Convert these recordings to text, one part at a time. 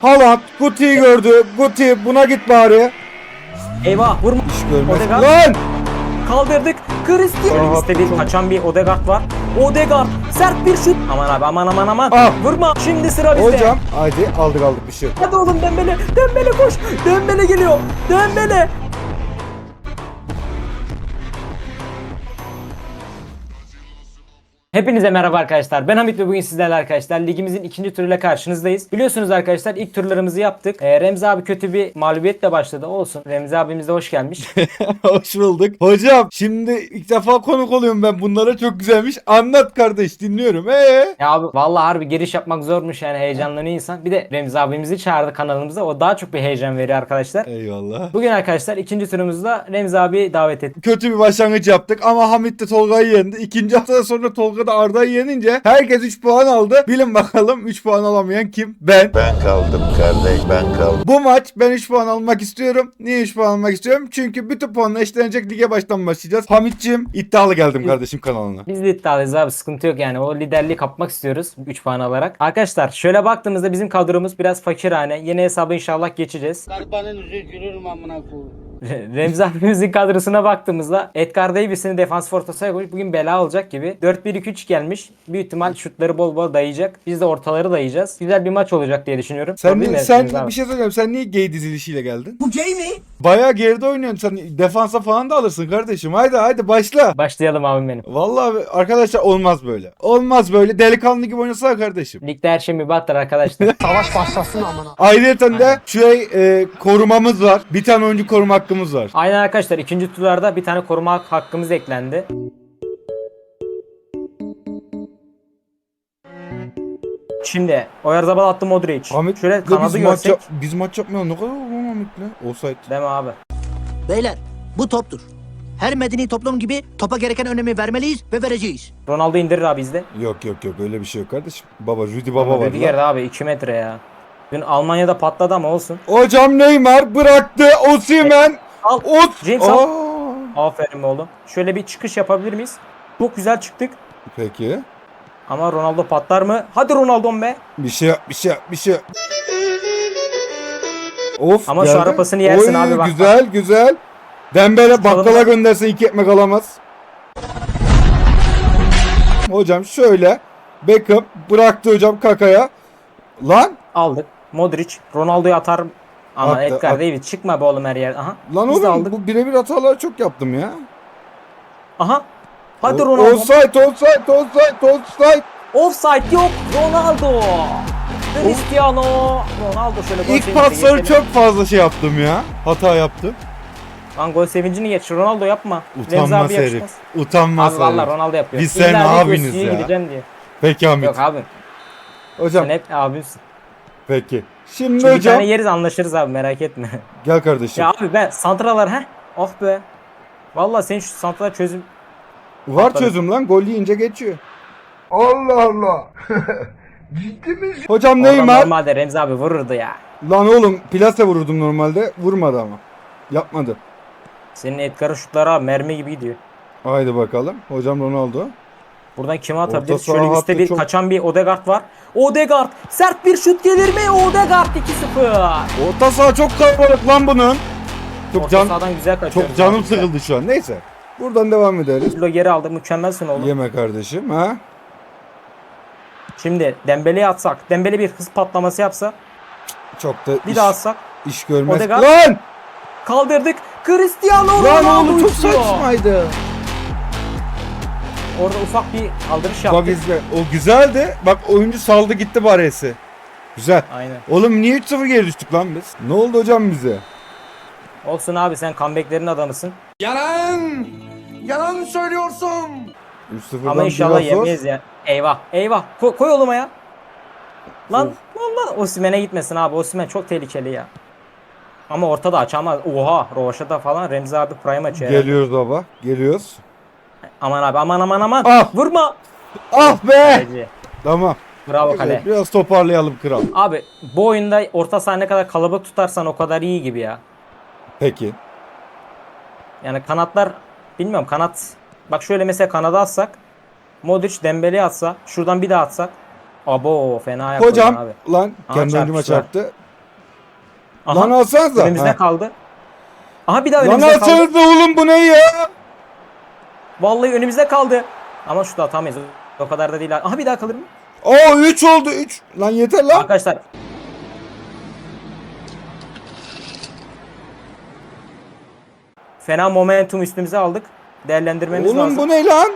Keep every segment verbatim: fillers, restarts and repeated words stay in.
Haaland Guti'yi gördü. Guti buna git bari. Eyvah vurma. İş görmez. Odegaard. Lan! Kaldırdık. Cristiano. Rahat Liste bir çok. kaçan bir Odegaard var. Odegaard. Sert bir şut. Aman abi aman aman aman. Ah. Vurma. Şimdi sıra bizde. Hocam haydi aldık aldık bir şey. yok. Hadi oğlum Dembele. Dembele koş. Dembele geliyor. Dembele. Hepinize merhaba arkadaşlar. Ben Hamit ve bugün sizlerle arkadaşlar ligimizin ikinci turuyla karşınızdayız. Biliyorsunuz arkadaşlar ilk turlarımızı yaptık. Ee, Remzi abi kötü bir mağlubiyetle başladı. Olsun. Remzi abimiz de hoş gelmiş. Hoş bulduk. Hocam şimdi ilk defa konuk oluyorum ben bunlara, çok güzelmiş. Anlat kardeş, dinliyorum. Ee? Ya abi vallahi harbi giriş yapmak zormuş yani, heyecanlanıyor insan. Bir de Remzi abimizi çağırdı kanalımıza. O daha çok bir heyecan veriyor arkadaşlar. Eyvallah. Bugün arkadaşlar ikinci turumuzda Remzi abi davet ettik. Kötü bir başlangıç yaptık ama Hamit de Tolga'yı yendi. İkinci hafta sonra Tolga da Arda'yı yenince herkes üç puan aldı. Bilin bakalım üç puan alamayan kim? Ben. Ben kaldım kardeş, ben kaldım. Bu maç ben üç puan almak istiyorum. Niye üç puan almak istiyorum? Çünkü bütün puanla eşlenecek lige baştan başlayacağız. Hamit'ciğim iddialı geldim kardeşim kanalına. Biz de iddialıyız abi, sıkıntı yok yani, o liderliği kapmak istiyoruz üç puan alarak. Arkadaşlar şöyle baktığımızda bizim kadromuz biraz fakirhane. Yeni hesabı inşallah geçeceğiz. Garibanın yüzü gülür amına koyayım. Remzi abimizin kadrosuna baktığımızda Edgar Davis'ini defans ortasına koyup bugün bela olacak gibi. dört bir iki üç gelmiş. Büyük ihtimal şutları bol bol dayayacak. Biz de ortaları dayayacağız. Güzel bir maç olacak diye düşünüyorum. Sen, Doğru değil ni- mi sen Remzi abi? bir şey söyleyeyim. Sen niye gay dizilişiyle geldin? Bu gay mi? Bayağı geride oynuyorsun. Sen defansa falan da alırsın kardeşim. Haydi haydi başla. Başlayalım abim benim. Vallahi arkadaşlar olmaz böyle. Olmaz böyle. Delikanlı gibi oynasana kardeşim. Ligde her şey mübahtır arkadaşlar. Savaş başlasın amına. Ayrıca de şey e, korumamız var. Bir tane oyuncu koruma hakkımız var. Aynen arkadaşlar, ikinci turlarda bir tane koruma hak- hakkımız eklendi. Şimdi Oyarzabal attı, Modric. Ahmet Şöyle biz kanadı maç, görsek. yap- biz maç yapmayalım. Ne kadar olur Ahmet'le? Offside. Deme abi. Beyler bu toptur. Her medeni toplum gibi topa gereken önemi vermeliyiz ve vereceğiz. Ronaldo indirir abi izle. Yok yok yok öyle bir şey yok kardeşim. Baba Rudy Baba var Rüdiger lan. abi iki metre ya. Dün Almanya'da patladı ama olsun. Hocam Neymar bıraktı. Osimhen. Al. Ot. James al. Aa. Aferin oğlum. Şöyle bir çıkış yapabilir miyiz? Çok güzel çıktık. Peki. Ama Ronaldo patlar mı? Hadi Ronaldo'm be. Bir şey yap, bir şey yap, bir şey yap. Of Ama şu geldi. arapasını yersin Oy, abi, bak, güzel güzel. Dembele bakkala Çalımlar. göndersen iki ekmek alamaz. Hocam şöyle. Beckham bıraktı hocam Kaka'ya. Lan. Aldık. Modric. Ronaldo'yu atar. Ama Attı, Edgar at- Davis çıkma be oğlum her yer. Aha. Lan Biz de oğlum aldık. bu birebir hataları çok yaptım ya. Aha. Hadi O- Ronaldo. Offside, offside, offside, offside. Offside yok. Ronaldo. Cristiano. Ronaldo şöyle gol İlk sevinci pasları geçelim. çok fazla şey yaptım ya. Hata yaptım. Lan gol sevincini geç. Ronaldo yapma. Remzi Utanmaz abi herif. yakışmaz. Utanmaz Abi valla herif. Ronaldo yapıyor. Biz senin İlla diyor, abiniz Si'ye ya. gideceğim diye. Peki Hamit. Yok abi. Hocam Sen hep abimsin. peki. Şimdi Şimdi bir hocam tane yeriz, anlaşırız abi, merak etme. gel kardeşim. Ya abi ben santralar he. Oh be. Valla senin şu santralar çözüm. Var Atladım. çözüm lan. Gol yiyince geçiyor. Allah Allah. Ciddi misin? Hocam Oradan Neymar. normalde Remzi abi vururdu ya. Lan oğlum plase vururdum normalde. Vurmadı ama. Yapmadı. Senin Edgar'ın şutları abi mermi gibi gidiyor. Haydi bakalım. Hocam Ronaldo. Buradan kime atabiliriz? saha Şöyle üstte hattı bir çok- kaçan bir Odegaard var. Odegaard sert bir şut gelir mi? Odegaard iki sıfır. Orta saha çok kalabalık lan bunun. Çok Orta can sahadan güzel kaçıyor. çok canım sıkıldı şu an. Neyse. Buradan devam ederiz. Pirlo geri aldı. Mükemmelsin oğlum. Yeme kardeşim ha. Şimdi Dembele'yi atsak. Dembele bir hız patlaması yapsa. Çok da Bir iş, daha atsak. iş görmez. Odegaard. Lan! Kaldırdık. Cristiano Lan Ronaldo oğlum çok uçuyor. saçmaydı. Orada ufak bir kaldırış Bak yaptık. izle. O güzeldi. Bak oyuncu saldı gitti baresi. Güzel. Aynen. Oğlum niye üç sıfır geri düştük lan biz? Ne oldu hocam bize? Olsun abi, sen comeback'lerin adamısın. Yalan! Yalan söylüyorsun! üç sıfırdan Ama inşallah biraz zor. yemeyiz ya. Eyvah eyvah. Ko- koy oğlum ya. Lan lan lan. Osimhen'e gitmesin abi. Osimhen çok tehlikeli ya. Ama ortada açamaz. Oha. Rovaşata falan. Remzi abi prime açıyor. herhalde. Geliyoruz baba. Geliyoruz. Aman abi aman aman aman. Ah! Vurma. Ah be! Kaleci. Tamam. Bravo Güzel, kale. biraz toparlayalım kral. Abi bu oyunda orta saha ne kadar kalabalık tutarsan o kadar iyi gibi ya. Peki. Yani kanatlar bilmiyorum, kanat. Bak şöyle mesela kanada atsak. Modric Dembele'ye atsa. Şuradan bir daha atsak. Abo fena ayak Hocam oynuyor abi. lan Aha, kendi oyuncuma çarpıştılar. çarptı. Aha, Lan alsanıza. önümüzde Ha. kaldı. Aha bir daha Lan önümüzde kaldı. alsanıza oğlum, bu ne ya? Vallahi önümüzde kaldı. Ama şut atamayız. O kadar da değil. Aha bir daha kalır mı? Oo üç oldu üç. Lan yeter lan. Arkadaşlar. Fena momentum üstümüze aldık. Değerlendirmemiz Oğlum lazım. bu ne lan?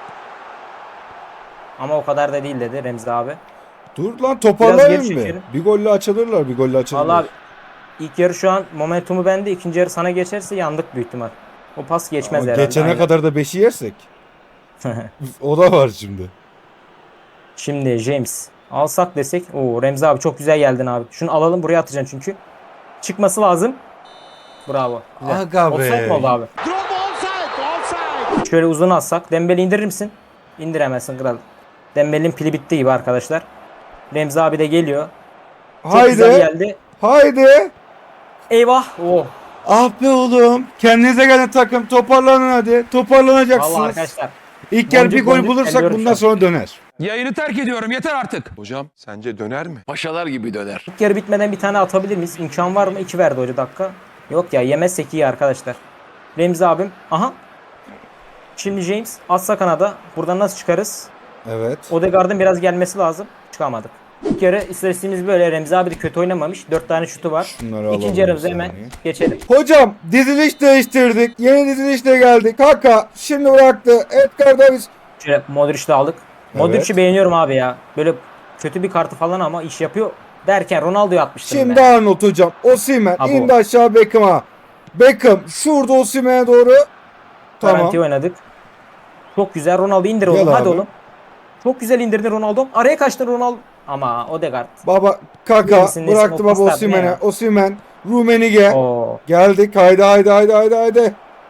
Ama o kadar da değil dedi Remzi abi. Dur lan, Biraz toparlayayım geri mı? çekelim. Bir golle açılırlar, bir golle açılırlar. Vallahi ilk yarı şu an momentumu bende. İkinci yarı sana geçerse yandık büyük ihtimal. O pas geçmez Ama herhalde. geçene aynen. kadar da beşi yersek. O da var şimdi. Şimdi James alsak desek. Oo Remzi abi çok güzel geldin abi. Şunu alalım, buraya atacaksın çünkü. Çıkması lazım. Bravo. Güzel. Aga be. Offside mi oldu abi? Şöyle uzun atsak. Dembele indirir misin? İndiremezsin kral. Dembele'nin pili bitti gibi arkadaşlar. Remzi abi de geliyor. Çok güzel Haydi. geldi. Haydi. Eyvah. Oh. Ah be oğlum. Kendinize gelin takım. Toparlanın hadi. Toparlanacaksınız. Vallahi arkadaşlar. İlk yarı bir boncuk gol boncuk bulursak elliyorum bundan şu an. sonra döner. Yayını terk ediyorum, yeter artık. Hocam sence döner mi? Paşalar gibi döner. İlk yarı bitmeden bir tane atabilir miyiz? İmkan var mı? İki verdi hoca dakika. Yok ya, yemezsek iyi arkadaşlar. Remzi abim. Aha. Şimdi James atsa kanada. Buradan nasıl çıkarız? Evet. Odegaard'ın biraz gelmesi lazım. Çıkamadık. İlk yarı istatistiğimiz böyle. Remzi abi de kötü oynamamış. Dört tane şutu var. Şunları alalım İkinci bir yarımıza hemen saniye. geçelim. Hocam diziliş değiştirdik. Yeni dizilişle geldik. Kaka şimdi bıraktı. Edgar Davis. Şöyle Modric'i de aldık. Modric'i beğeniyorum abi ya. Böyle kötü bir kartı falan ama iş yapıyor. Derken Ronaldo'yu atmıştım Şimdi ben. Arnold hocam. Osimhen Abo. indi aşağı Beckham'a. Beckham şurada Osimhen'e doğru. Tamam. Garanti oynadık. Çok güzel. Ronaldo indir Gel oğlum. Hadi abi. oğlum. Çok güzel indirdin Ronaldo. Araya kaçtın Ronaldo. Ama Odegaard. Baba Kaka Neyse, neyse, bıraktı o baba paslar ne Osimhen'e. ya? Osimhen, Rumenige. Oo. Geldik. Haydi haydi haydi haydi haydi.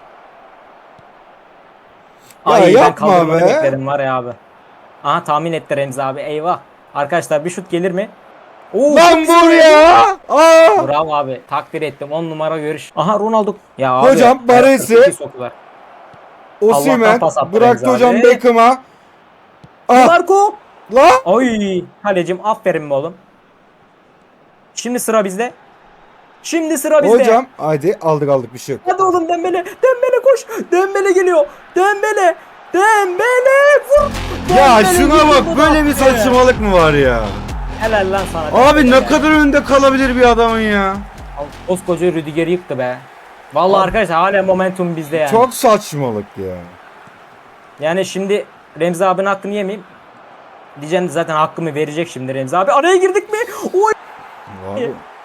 Ya Ay ben yapma kaldırmanı be. bekledim var ya abi. Aha tahmin etti Remzi abi. Eyvah. Arkadaşlar bir şut gelir mi? Oo, Lan çok güzel. vur ya. Aa. Bravo abi. Takdir ettim. on numara görüş. Aha Ronaldo. Ya abi. Hocam, Baresi. ayakta sokular. Allah'tan Osimhen pas attı bıraktı Remzi hocam abi. Beckham'a. Ah Marco. la. Ay kalecim aferin be oğlum. Şimdi sıra bizde. Şimdi sıra bizde. Hocam haydi aldık aldık bir şey yok. Hadi oğlum Dembele. Dembele koş. Dembele geliyor. Dembele. Dembele vur. Ya Dembele şuna vurdu bak, bu böyle bir dakika. saçmalık mı var ya? Helal lan sana. Abi Dembele ne be. kadar önde kalabilir bir adamın ya? Koskoca Rüdiger'i yıktı be. Vallahi arkadaşlar hala momentum bizde yani. Çok saçmalık ya. Yani şimdi Remzi abinin hakkını yemeyeyim. Diyeceğim de zaten hakkımı verecek şimdi Remzi abi. Araya girdik mi? Oy. Abi.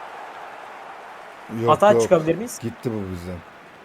Yok, Hata yok. çıkabilir miyiz? Gitti bu bizden.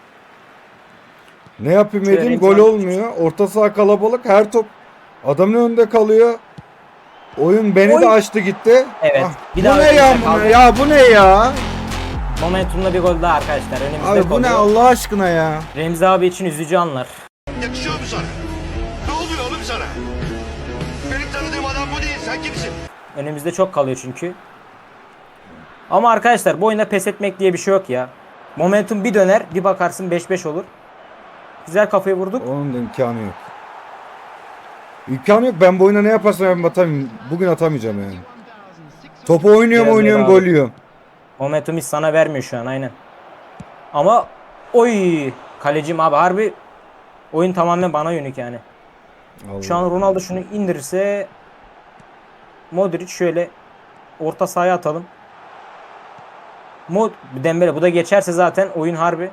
Ne yapayım Şöyle edeyim, Remzi gol abi- olmuyor. Orta saha kalabalık, her top adamın önünde kalıyor. Oyun beni Oy. de açtı gitti. Evet, Ah, bir bu daha ne ya, önümüzde bu ne kaldı. ya, bu ne ya? Momentumla bir gol daha arkadaşlar. Önümüzde Abi bu ne kalıyor. Allah aşkına ya? Remzi abi için üzücü anlar. Yakışıyor mu sana? Ne oluyor oğlum sana? Benim tanıdığım adam bu değil. Sen kimsin? Önümüzde çok kalıyor çünkü. Ama arkadaşlar bu oyunda pes etmek diye bir şey yok ya. Momentum bir döner, bir bakarsın beş beş olur. Güzel kafayı vurduk. Onun da imkanı yok. İmkanı yok. Ben bu oyuna ne yaparsam ben atamıyorum. Bugün atamayacağım yani. Topu oynuyorum Biraz oynuyorum ver abi. gol yiyorum. Momentum hiç sana vermiyor şu an aynen. Ama oy kalecim abi harbi oyun tamamen bana yönelik yani. Allah. Şu an Ronaldo şunu indirirse Modric şöyle orta sahaya atalım. Mod Dembele bu da geçerse zaten oyun harbi.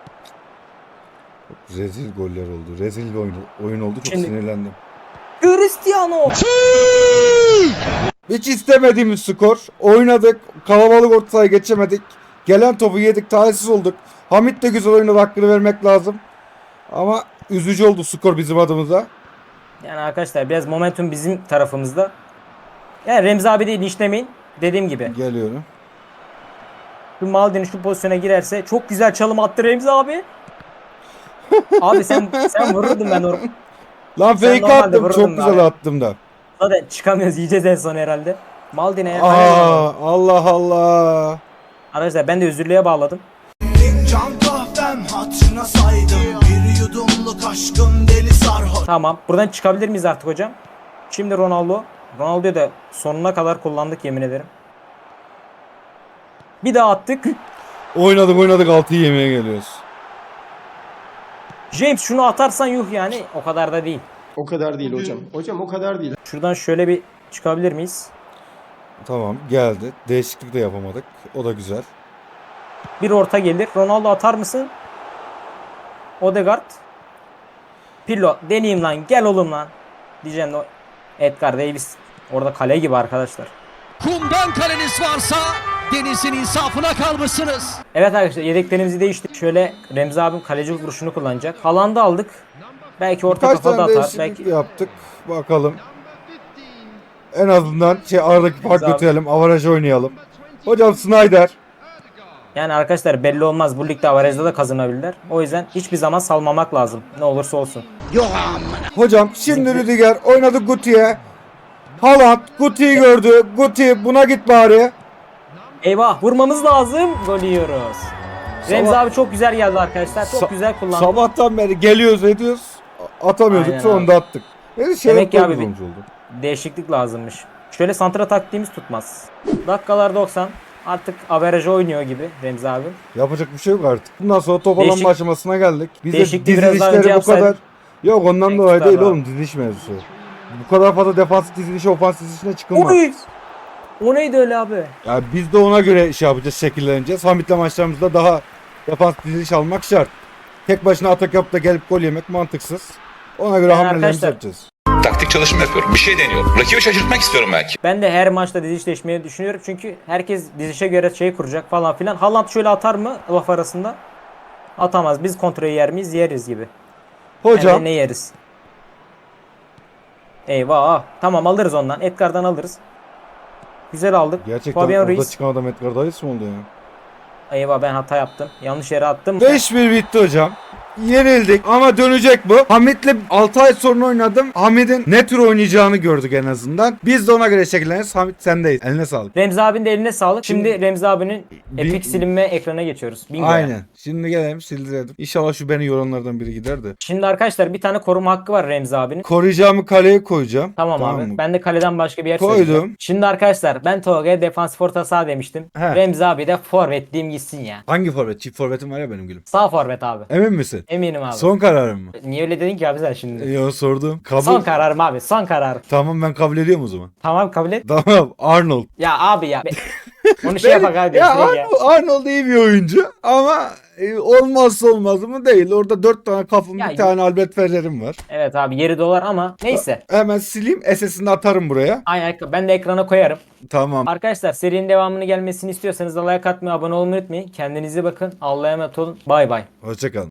Rezil goller oldu. Rezil bir oyun, oyun oldu. Çok Şimdi- sinirlendim. Cristiano. Hiç istemediğimiz skor. Oynadık. Kalabalık orta sahaya geçemedik. Gelen topu yedik. Talihsiz olduk. Hamit de güzel oynadı. Hakkını vermek lazım. Ama üzücü oldu skor bizim adımıza. Yani arkadaşlar biraz momentum bizim tarafımızda. Yani Remzi abi değil işlemeyin. Dediğim gibi. Geliyorum. Şu Maldini şu pozisyona girerse çok güzel çalım attı Remzi abi. Abi sen sen vururdun ben orada. Lan Sen fake normalde attım. vururdun Çok da güzel abi. attım da. Zaten çıkamıyoruz yiyeceğiz en son herhalde. Maldini. Aa, Allah Allah. Arkadaşlar ben de özürlüğe bağladım. Fincan kahvem hatırına saydım. Bir yudumluk aşkım deli sarhoş. Tamam. Buradan çıkabilir miyiz artık hocam? Şimdi Ronaldo. Ronaldo'yu da sonuna kadar kullandık yemin ederim. Bir daha attık. Oynadık oynadık altıyı yemeye geliyoruz. James şunu atarsan yuh yani o kadar da değil. O kadar değil hocam. Hocam o kadar değil. Şuradan şöyle bir çıkabilir miyiz? Tamam geldi. Değişiklik de yapamadık. O da güzel. Bir orta gelir. Ronaldo atar mısın? Odegaard. Pirlo deneyeyim lan gel oğlum lan. Diyeceğim de o Edgar Davis. Orada kale gibi arkadaşlar. Kumdan kaleniz varsa denizin insafına kalmışsınız. Evet arkadaşlar yedeklerimizi değiştik. Şöyle Remzi abim kaleci vuruşunu kullanacak. Haaland'ı aldık. Belki orta Kaç kafada tane atar. değişiklik Belki yaptık. Bakalım. En azından şey aradaki fark Remzi abi. götürelim. Avaraj oynayalım. Hocam Snyder. yani arkadaşlar belli olmaz. Bu ligde avarajda da kazanabilirler. O yüzden hiçbir zaman salmamak lazım. Ne olursa olsun. Hocam şimdi Rüdiger oynadı Guti'ye. Haaland Guti'yi gördü. Guti buna git bari. Eyvah vurmamız lazım. Gol yiyoruz. Remzi Sabah- abi çok güzel geldi arkadaşlar. Çok Sa- güzel kullandı. Sabahtan beri geliyoruz ediyoruz. Atamıyorduk Aynen sonunda attık. Yani şey Demek ki abi oldu. Değişiklik lazımmış. Şöyle santra taktiğimiz tutmaz. Dakikalar doksan. Artık averajı oynuyor gibi Remzi abi. Yapacak bir şey yok artık. Bundan sonra top alan Değişik- aşamasına geldik. Biz de Değişikliği biraz daha önce dizilişleri bu kadar. yapsaydık. Yok ondan Tek dolayı değil tutardı oğlum diziliş mevzusu. Bu kadar fazla defansif dizilişe ofans dizilişine çıkılmaz. Oy! O neydi öyle abi? Ya biz de ona göre şey yapacağız, şekilleneceğiz. Hamit'le maçlarımızda daha defans diziliş almak şart. Tek başına atak yapıp da gelip gol yemek mantıksız. Ona göre Yani hamlelerimizi arkadaşlar- yapacağız. Taktik çalışma yapıyorum. Bir şey deniyorum. Rakibi şaşırtmak istiyorum belki. Ben de her maçta dizişleşmeyi düşünüyorum. Çünkü herkes dizişe göre şey kuracak falan filan. Haaland şöyle atar mı laf arasında? Atamaz. Biz kontrolü yer miyiz? Yeriz gibi. Hocam Hem de ne yeriz? Eyvah. Tamam alırız ondan. Edgar'dan alırız. Güzel aldık. gerçekten Fabian orada Ruiz. çıkan adam Edgar Davis mi oldu ya? Eyvah ben hata yaptım. Yanlış yere attım. beş bir bitti hocam. Yenildik ama dönecek bu. Hamit'le altı ay sonra oynadım. Hamit'in ne tür oynayacağını gördük en azından. Biz de ona göre şekilleniriz. Hamit sendeyiz. Eline sağlık. Remzi abinin de eline sağlık. Şimdi Remzi abinin Bin- epik silinme ekrana geçiyoruz. Bingo. Aynen. Şimdi gelelim sildirelim. İnşallah şu beni yoranlardan biri gider de. Şimdi arkadaşlar bir tane koruma hakkı var Remzi abinin. Koruyacağımı kaleye koyacağım. Tamam, abi. mı? Ben de kaleden başka bir yer Koydum. söyleyeceğim. Şimdi arkadaşlar ben Tolga'ya defansif orta saha demiştim. He. Remzi abi de forvet diyeyim gitsin ya. Hangi forvet? Çift forvetim var ya benim gülüm. Sağ forvet abi. Emin misin? Eminim abi. Son kararım mı? Niye öyle dedin ki abi sen şimdi? Yo sordum. Kabul. Son kararım abi. Son karar. Tamam ben kabul ediyorum o zaman. Tamam kabul et. Tamam Arnold. Ya abi ya. Be- Onu şey yapak abi. Ya direkt ya. Arnold, Arnold iyi bir oyuncu ama e, olmazsa olmaz mı değil. Orada dört tane kafım Ya- bir tane Albert Ferrer'im var. Evet abi yeri dolar ama neyse. Hemen sileyim S S'ini atarım buraya. Aynen ben de ekrana koyarım. Tamam. Arkadaşlar serinin devamını gelmesini istiyorsanız da like atmayı, abone olmayı unutmayın. Kendinize bakın. Allah'a emanet olun. Bay bay. Hoşçakalın.